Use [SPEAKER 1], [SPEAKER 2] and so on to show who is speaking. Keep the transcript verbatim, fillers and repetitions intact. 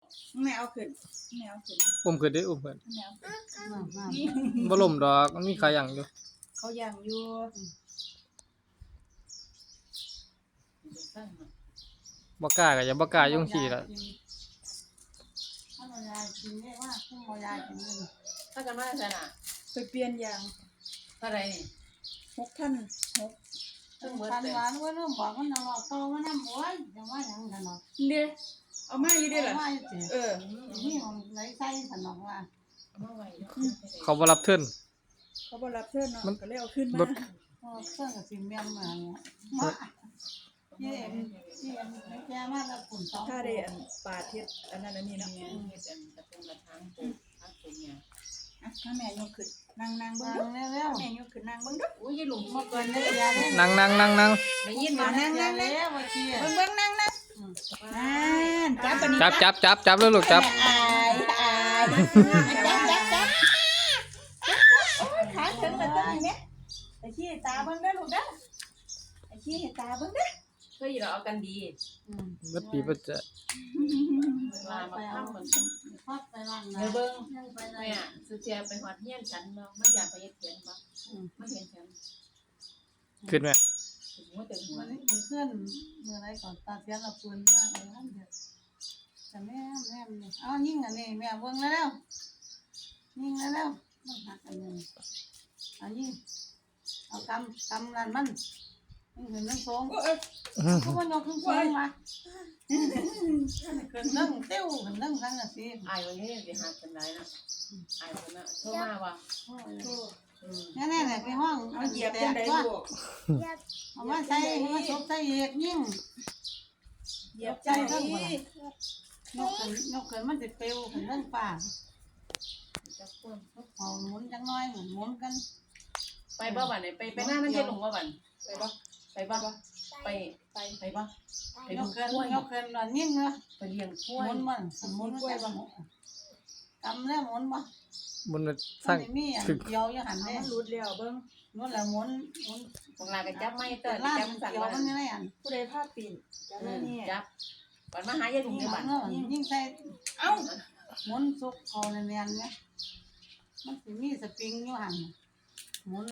[SPEAKER 1] แม่เอาขึ้นแม่เอาขึ้น
[SPEAKER 2] อุ้มขึ้นได้อุ้มขึ้น
[SPEAKER 1] แม่เอาขึ้น
[SPEAKER 3] นี่
[SPEAKER 2] บ่ล่มดอกมันมีขายังอยู่
[SPEAKER 1] เขาย่างอยู่
[SPEAKER 2] บ่กล้าก็อย่าบ่กล้ายุ่งขี้ล่ะ
[SPEAKER 3] ถ้าบ่ยายกินได้ว่าถ้าบ่ยายกินนี่
[SPEAKER 4] ถ้ากันว่าใช่น่ะ
[SPEAKER 1] ไปเปลี่ยนยาง
[SPEAKER 4] เท่าไหร่นี่
[SPEAKER 1] หกพันหก
[SPEAKER 4] เพิ่งเบิด
[SPEAKER 3] คัน
[SPEAKER 4] เลย
[SPEAKER 3] หวานว่าเริ่มบอกมันเอาโตมันนำโอ้ยจะว่าหยังกันเนาะ
[SPEAKER 1] เด้เอามาอยู่เด้อล่ะ
[SPEAKER 3] ว่าอยู่สิ
[SPEAKER 1] เออ
[SPEAKER 3] นี่ของไหลใส่สนองว่า
[SPEAKER 4] เอามาไว้เนาะ
[SPEAKER 2] เขาบ่รับเทิน
[SPEAKER 1] เขาบ่รับเชิญเนาะก็เลยเอาขึ้น
[SPEAKER 2] ร
[SPEAKER 1] มา
[SPEAKER 2] ถ
[SPEAKER 3] พอเครื่องกับสิเมียมมาเนี่ยมาเยี่ยมเยี่ยมไม่แก่มากแล้วฝุ่นสอง
[SPEAKER 1] ถ้าได้อันปาดเฮ็ดอันนั้นอันนี้เนาะ
[SPEAKER 4] เนี่ยเฮ็ดอันกระทงกระถางปลูกพักปลูกเนี่ย
[SPEAKER 1] อ่ะถ้าแม่ยกขึ้นนั่งนั่งเบิ่
[SPEAKER 3] วาง ง
[SPEAKER 1] ดู
[SPEAKER 3] แล้วแล้ว
[SPEAKER 1] แม่ยกขึ้นนั่งเบิ่งดู
[SPEAKER 4] อุ้ยยายหลง
[SPEAKER 3] มา
[SPEAKER 4] มา
[SPEAKER 3] เกิ
[SPEAKER 4] ก่อน
[SPEAKER 3] น
[SPEAKER 4] เด้
[SPEAKER 3] ได้
[SPEAKER 4] อย
[SPEAKER 3] าได้
[SPEAKER 2] นั่งนั่งนั่งนั่ง
[SPEAKER 4] ได้ยิน
[SPEAKER 1] มา
[SPEAKER 4] มา
[SPEAKER 1] นั่งนั่งนั่ง
[SPEAKER 3] แล้วว่าที่
[SPEAKER 1] เบิ่งเบิ่งนั่งนั่งนั่นจับปานนี้
[SPEAKER 2] จับจับจับจับเลยลูกจับ
[SPEAKER 1] อายอายจับจับจับโอ้ยขาถึงแล้วตัวนี้แม่ไอ้ขี้ตาเบิ่งเด้อลูกเด้อไอ้ขี้ให้ตาเบิ่งเด้อ
[SPEAKER 4] เฮ้ยเราเอากันดี
[SPEAKER 3] อืม
[SPEAKER 2] เบิดปีเบิดจะ
[SPEAKER 4] ลามาทำเหมือนกัน
[SPEAKER 3] พัดไปล่างนะ
[SPEAKER 4] เดี๋ยวเบิ่ง
[SPEAKER 3] ยังไปไหน
[SPEAKER 4] แม่สุเทียไปฮอดเฮียนฉันเนาะไม่อยากไปเฮ็ดเขียนบ่ไม่เห็นฉัน
[SPEAKER 2] ขึ้นไหม
[SPEAKER 4] ถึงหัวเต็มหัว
[SPEAKER 3] วัน
[SPEAKER 4] เลย
[SPEAKER 3] นี้เพื่อนเมื่อไรก่อนตาเสียละปืนมากเลยนั่นเดียวแต่แม่แม่นี่เอายิ่งอันนี้แม่เบิ่งแล้วยิ่งแล้วมันหักอันนี้เอายิ่งเอากำกำนั่นมันยิ่งเห็นนั่งทรง
[SPEAKER 1] โอ้ย
[SPEAKER 3] เขาว่ายกขึ้นสูงมาขึ้นนั่งเตี้ยวขึ้นนั่งทั้งอาทิตย์
[SPEAKER 4] อายวันนี้สิหักกันได้นะอายคนน่ะโทรมาว่าอืม
[SPEAKER 3] แน่ๆเนี่ยไปห้อง
[SPEAKER 1] เอาเหยียบจังได๋
[SPEAKER 3] ว่า
[SPEAKER 1] ลูก
[SPEAKER 3] เอามาใส่เอามาซบใส่เอกยิ่ง
[SPEAKER 1] เหยียบใจเด้อย
[SPEAKER 3] กขึ้นยกขึ้นมันจะเปลวขึ้นนั่งป่า
[SPEAKER 4] จักคน
[SPEAKER 3] เอาหมุนจังน้อยหมุนหมุนกัน
[SPEAKER 4] ไปบ่บัดนี้ไปไปหน้านั่นยายหลงบ่บัดไปบ่ไปบ่ไปไปไปบ่ไป
[SPEAKER 3] ย
[SPEAKER 4] ดู
[SPEAKER 3] ก
[SPEAKER 4] กล้
[SPEAKER 3] ขึ้น
[SPEAKER 4] วย
[SPEAKER 3] ยกขึ้นนอนยิ่งเนาะ
[SPEAKER 4] ไปเลี้ยงกล้
[SPEAKER 3] ห
[SPEAKER 4] วย
[SPEAKER 3] มุนมันหมุนกล้วยบ้างกำแล้วหมุนบ่
[SPEAKER 2] บน
[SPEAKER 3] มั
[SPEAKER 2] สร้าง
[SPEAKER 3] นมีอันเกี่ยวอยู่หัน
[SPEAKER 1] เอา
[SPEAKER 3] เด้
[SPEAKER 1] มันหลุดแล้วเบิ่ง
[SPEAKER 3] นู่นแหละหมุนหมุน
[SPEAKER 4] บางลาก็จับไม้เตอ
[SPEAKER 3] แต่
[SPEAKER 4] ร์
[SPEAKER 3] ล่า
[SPEAKER 4] จับ
[SPEAKER 3] มัน
[SPEAKER 4] สั่ง
[SPEAKER 3] เกี่ยว
[SPEAKER 4] ว่า
[SPEAKER 3] มันยังไงอัน
[SPEAKER 1] ผู้ใดพาปีนจับแล้วนี่
[SPEAKER 4] จับบัดมาหายายหลง
[SPEAKER 3] ยิ่ง
[SPEAKER 4] เนี่ยบัด
[SPEAKER 3] เนาะยิ่งใส่
[SPEAKER 1] เอ้า
[SPEAKER 3] หมุนซุกคอเนียนๆเนี่ยมันสิมีสปริงอยู่หันหมุน